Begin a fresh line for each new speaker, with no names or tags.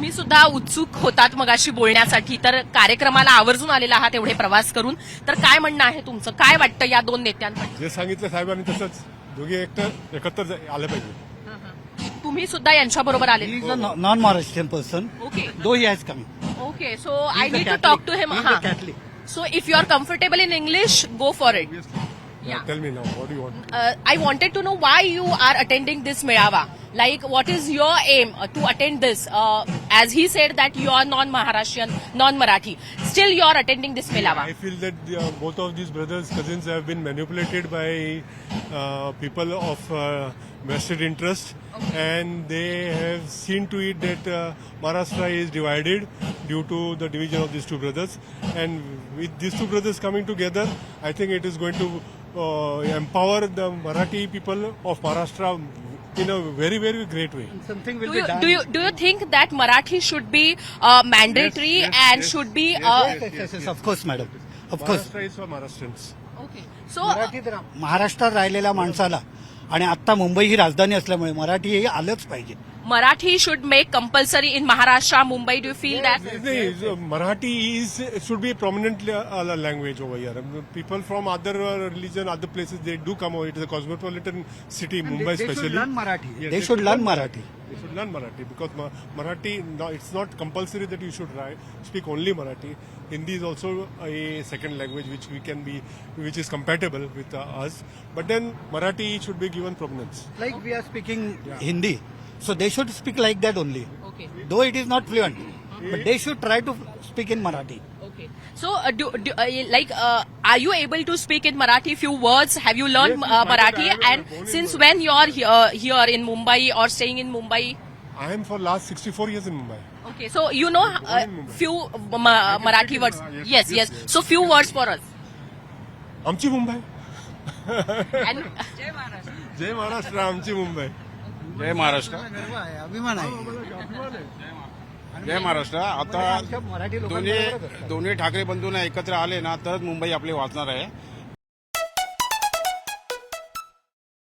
तुम्ही सुद्धा उत्सुक होतात मगाशी बोलण्यासाठी, तर कार्यक्रमाला आवर्जून आलेला आहात एवढे प्रवास करून, तर काय म्हणणं आहे तुमचं? काय वाटतं या दोन नेत्यांबद्दल?
जे सांगितलं साहेबांनी तसंच दोघे एकत्र आलं पाहिजे.
तुम्ही सुद्धा यांच्याबरोबर आले?
He is a non-Maharashtrian person,
okay
though he has come.
Okay, so I
He is a
need to
Catholic.
Talk to him.
He is a Catholic.
So if you are comfortable in English, go for it. Yeah.
Tell me now, what do you want?
I wanted to know why you are attending this Melawa. Like, what is your aim to attend this? As he said that you are non-Maharashtrian, non-Marathi. Still, you are attending this Melawa.
I feel that both of these brothers, cousins have been manipulated by people of vested interest, and they have seen to it that Maharashtra is divided due to the division of these two brothers. And with these two brothers coming together, I think it is going to empower the Marathi people of Maharashtra in a very, very great way.
Something will
Do
be
you,
done.
do you think that Marathi should be mandatory and should be?
Yes, of course, madam. Of course.
Maharashtra is for Maharashtrians.
Okay. So,
Marathi तर महाराष्ट्रात राहिलेल्या माणसाला आणि आता मुंबई ही राजधानी असल्यामुळे मराठी हे आलंच पाहिजे.
Marathi should make compulsory in Maharashtra, Mumbai. Do you feel that?
Marathi should be a prominent language over here. People from other religion, other places, they do come over. It is a cosmopolitan city, Mumbai
They should
especially.
learn Marathi.
Yes,
They should learn Marathi.
They should learn Marathi because Marathi, no, it's not compulsory that you should speak only Marathi. Hindi is also a second language which is compatible with us. But then Marathi should be given prominence.
Like we are speaking Hindi, so they should speak like that only.
Okay.
Though it is not fluent, but they should try to speak in Marathi.
Okay. So, are you able to speak in Marathi? Few words. Have you learned
Yes, yes,
Marathi?
I have
And
born in
since
Mumbai.
when you are here in Mumbai or staying in Mumbai?
I am for last 64 years in Mumbai.
Okay. So you know
Born in Mumbai.
few Marathi words. Yes, yes. So few words for us.
आमची Mumbai.
And
जय महाराष्ट्र, आमची मुंबई.
जय महाराष्ट्र.
अभिमान आहे.
जय महाराष्ट्र. आता
मराठी लोकांबरोबरच असतात.
दोन्ही ठाकरे बंधूंना एकत्र आले ना तरच मुंबई आपली वाचणार आहे.